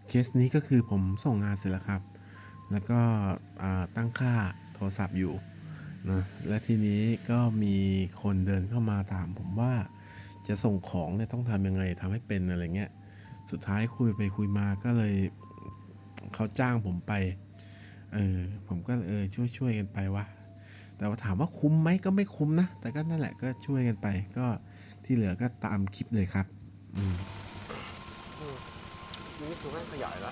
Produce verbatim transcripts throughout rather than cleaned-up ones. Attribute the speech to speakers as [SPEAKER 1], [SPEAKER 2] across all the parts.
[SPEAKER 1] เคสนี้ก็คือผมส่งงานเสร็จแล้วครับแล้วก็ตั้งค่าโทรศัพท์อยู่นะและทีนี้ก็มีคนเดินเข้ามาถามผมว่าจะส่งของเนี่ยต้องทำยังไงทำให้เป็นอะไรเงี้ยสุดท้ายคุยไปคุยมาก็เลยเขาจ้างผมไปเออผมก็เออช่วยช่วยกันไปวะแต่ว่าถามว่าคุ้มไหมก็ไม่คุ้มนะแต่ก็นั่นแหละก็ช่วยกันไปก็ที่เหลือก็ตามคลิปเลยครับอืม
[SPEAKER 2] อืมนี่คือไม่ขยายแล้ว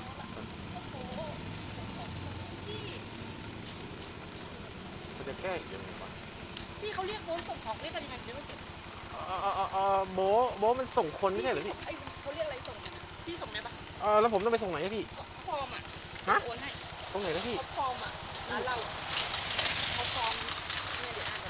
[SPEAKER 2] มันจะแก้อีกยังไงวะ
[SPEAKER 3] พี่เขาเรียกโบ๊ทส่งของเรียกกันยังไงเดี๋ยวไม่เก็บ
[SPEAKER 2] เออเออเออเออโบะโบะมันส่งคนไม่
[SPEAKER 3] พี่
[SPEAKER 2] ใช่เหรอพี่
[SPEAKER 3] พี่ส่งไอ้เขาเรียกอะไรส่งพี่ส่งได้ปะ
[SPEAKER 2] เออแล้วผมต้องไปส่งไหนอะพี่
[SPEAKER 3] ฟอร์มอ่ะ
[SPEAKER 2] ฮะ
[SPEAKER 3] โอนให้
[SPEAKER 2] ตรงไหนนะพี่
[SPEAKER 3] เขาฟอร์มอ่ะร้านเราเขาฟอร์มเนี่ยเดี๋ยวอ่านกัน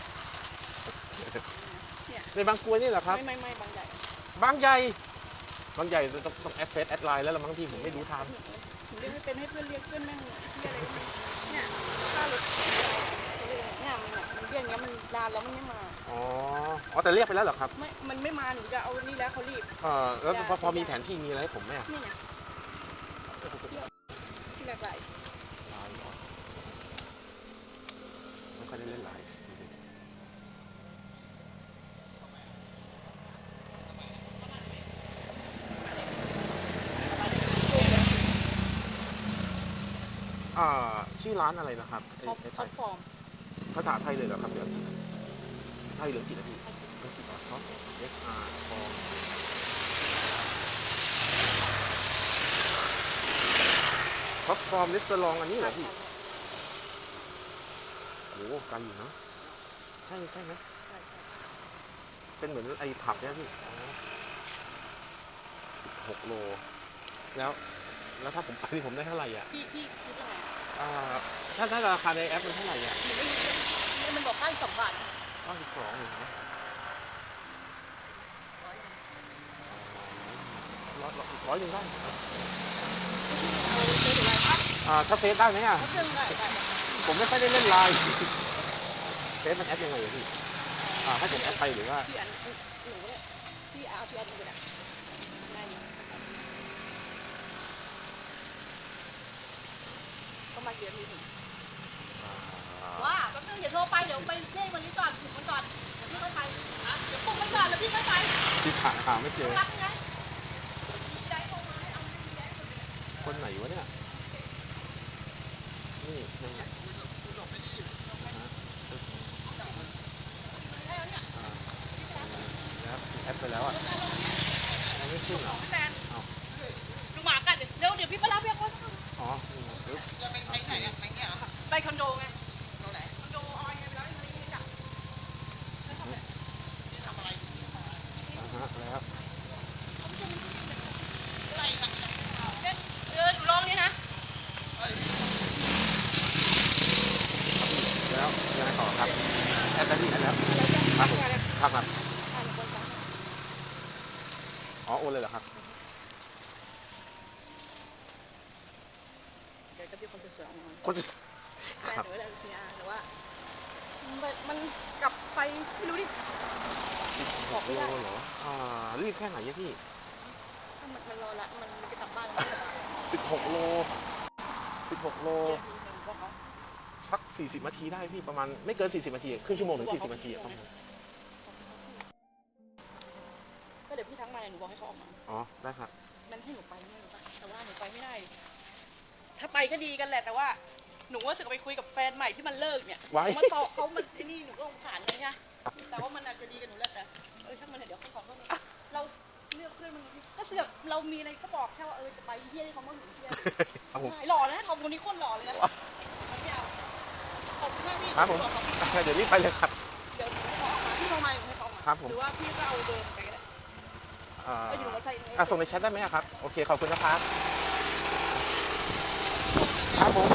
[SPEAKER 3] เนี่ย
[SPEAKER 2] ในบางกรวยนี่เหรอครับ
[SPEAKER 3] ไม่ไม่ไม่บางใหญ่
[SPEAKER 2] บางใหญ่บางใหญ่ต้องต้องแอดเฟซแอดไลน์แล้วละมั้งพี่ผมไม่รู้ทาง
[SPEAKER 3] หนูเรียกไม่เป็นให้เพื่อนเรียกเพื่อนแม่งเรียกอะไรก็ไม่เนี่ยค่ารถเนี่ยมันเนี่ยมันเรียกอย่างเงี้ยมันนานแล้วมันไม่มา
[SPEAKER 2] อ๋ออ๋อแต่เรียกไปแล้วเหรอครับ
[SPEAKER 3] ไม่มันไม่มาหนูจะเอานี่แล้วเขารีบ
[SPEAKER 2] เออแล้วพอพอมีแผนที่มีอะไรให้ผมไหมอะ
[SPEAKER 3] นี่ไงที่แรกไหล
[SPEAKER 2] ไลน์เหรอไม่ค่อยได้เล่นไลน์อ่าชื่อร้านอะไรนะครับไอ้
[SPEAKER 3] ท็อป
[SPEAKER 2] ไอ้ไทย
[SPEAKER 3] ท็อปฟอร์ม
[SPEAKER 2] ภาษาไทยเลยเหรอครับเดี๋ยวไทยเหลือกี่นาทีก็กี่บาทครับ เอส อาร์ ฟอร์ท็อปฟอร์มลิสต์ลองอันนี้เหรอพี่โอ้ไกลอยู่นะใช่ใช่ไหมเป็นเหมือนไอ้ผับเนี่ยพี่อ๋อสิบหกโลแล้วแล้วถ้าผมไปนี่ผมได้เท่าไหร่อ่ะ
[SPEAKER 3] พี่พี่คิดอะไร
[SPEAKER 2] อ่าถ้าถ้าราคาในแอปมันเท่าไหร่อ่ะ
[SPEAKER 3] หนูไม่รู้เลยมันบอกค่าสองบาท
[SPEAKER 2] เก้าสิบสองเองนะร้อยร้อยหนึ่งได้อ่าถ้าเฟซได้ไหมอ่ะผมไม่ค่อยได้เล่นไลน์เฟซมันแอปยังไงอะพี่อ่าให้ผมแอดไปหรือว่า
[SPEAKER 3] พี่อันหนูเนี่ยพี่เอาพี่อันอยู่นะได้อยู่ก็มาเยอะนิดหนึ่งว่าแป๊บนึงอย่าโทรไปเดี๋ยวไปเช็ควันนี้ก่อนถึงมันก่อนเดี๋ยวพี่ค่อยไปเดี๋ยวปลุกมันก่อนแล้วพี่ค่อยไป
[SPEAKER 2] ที่หาหาไม่เจอ
[SPEAKER 3] รับไงได้โทรมาให้เอาแย้
[SPEAKER 2] คนไหนวะเนี่ยนี่ยังไงแล้วแอดไปแล้วอ่ะยังไม่ขึ้นเหรอเอา
[SPEAKER 3] ดูหมากันเดี๋ยวเดี๋ยวพี่ไปรับเรียกว่า
[SPEAKER 2] อ๋อปึ๊บ
[SPEAKER 3] จะไปไหนอ่ะไปเนี่ยไปคอนโดไงคอนโดไหนคอนโดออยไงไปแล้วไม่รู้จักไม่ทำอะไรที่ทำอะไร
[SPEAKER 2] อ่าฮะแล้ว
[SPEAKER 3] เออหนูลองนี่นะ
[SPEAKER 2] แล้วยังไงต่อครับแอดไปที่แอดแล้วครับผมครับครับอ๋อโอนเลยเหรอครับ
[SPEAKER 3] เดี๋ยวจะมีคนสวยๆออกมา
[SPEAKER 2] คน
[SPEAKER 3] แฟน
[SPEAKER 2] ครับ
[SPEAKER 3] หนูเลยพีอาร์แต่ว่ามันกลับไปไม่รู้ดิบอกไม่
[SPEAKER 2] โล
[SPEAKER 3] ได้
[SPEAKER 2] เหรออ่ารีบแค่ไหนพี่
[SPEAKER 3] มันมันรอละมันจะกลับบ้าน
[SPEAKER 2] สิบหกโลสิบหกโล
[SPEAKER 3] เดี๋ยวนี้หนูบอกเขา
[SPEAKER 2] สักสี่สิบนาทีได้พี่ประมาณไม่เกินสี่สิบนาทีครึ่งชั่วโมงถึงสี่สิบนาทีประมาณ
[SPEAKER 3] ก็เดี๋ยวพี่ทักมาหนูบอกให้เขาออกมา
[SPEAKER 2] อ๋อได้ครับ
[SPEAKER 3] มันให้หนูไปไม่หนูไปแต่ว่าหนูไปไม่ได้ถ้าไปก็ดีกันแหละแต่ว่าหนูว่าสึกไปคุยกับแฟนใหม่ที่มันเลิกเนี่ยมาต่อเขามันไอ้นี่หนูก็สงสารเลยนะแต่ว่ามันอาจจะดีกับหนูแหละแต่เออช่างมันเดี๋ยวเขาขอโทษเราเลือกเพื่อนมันก็เสือกเรามีอะไรก็บอกแค่ว่าเออจะไปเที่ยวที่เขามาหึงเที่ยวหล่อนะทอมคนนี้คนหล่อเลยนะไม่เอาขอบคุณมากพี่
[SPEAKER 2] ครับผมเดี๋ยวนี้ไปเลยครับ
[SPEAKER 3] เดี๋ยวเขาออกมาพี่โทรมาอยู่ให้เขาออกมาหรือว่าพี่ก็เอาเดินไปก็ได้
[SPEAKER 2] ก็อยู่ในอ่าส่งในแชทได้ไหมครับโอเคขอบคุณนะครับครับผม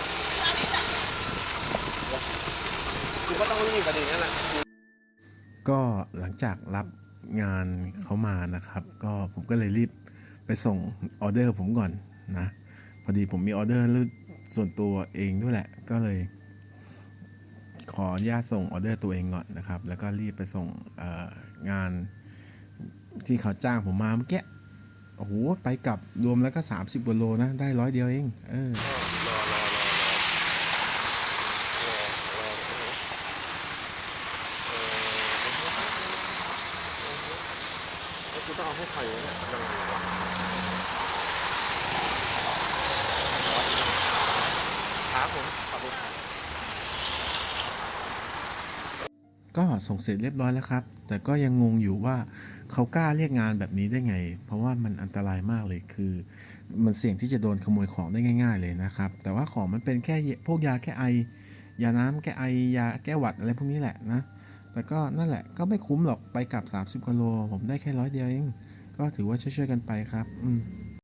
[SPEAKER 2] คือก็ต้องรีบประเด็นนั้นแหละ
[SPEAKER 1] ก็หลังจากรับงานเขามานะครับก็ผมก็เลยรีบไปส่งออเดอร์ผมก่อนนะพอดีผมมีออเดอร์ส่วนตัวเองด้วยแหละก็เลยขออนุญาตส่งออเดอร์ตัวเองก่อนนะครับแล้วก็รีบไปส่งงานที่เขาจ้างผมมาเมื่อกี้โโอ้โหไปกลับรวมแล้วก็สามสิบกว่าโลนะได้ร้อยเดียวเองเออ
[SPEAKER 2] รอรอรอรอรอรอเออแล้วกูต้องเอาให้ใครวะเนี่ยยังไงวะครับผมขอบคุณครับ
[SPEAKER 1] ก็ส่งเสร็จเรียบร้อยแล้วครับ แต่ก็ยังงงอยู่ว่าเขากล้าเรียกงานแบบนี้ได้ไง เพราะว่ามันอันตรายมากเลยคือ มันเสี่ยงที่จะโดนขโมยของได้ง่ายๆเลยนะครับ แต่ว่าของมันเป็นแค่พวกยาแก้ไอยาน้ำแก้ไอยาแก้หวัดอะไรพวกนี้แหละนะ แต่ก็นั่นแหละก็ไม่คุ้มหรอกไปกลับสามสิบกิโลผมได้แค่ร้อยเดียวเองก็ถือว่าช่วยๆกันไปครับอืม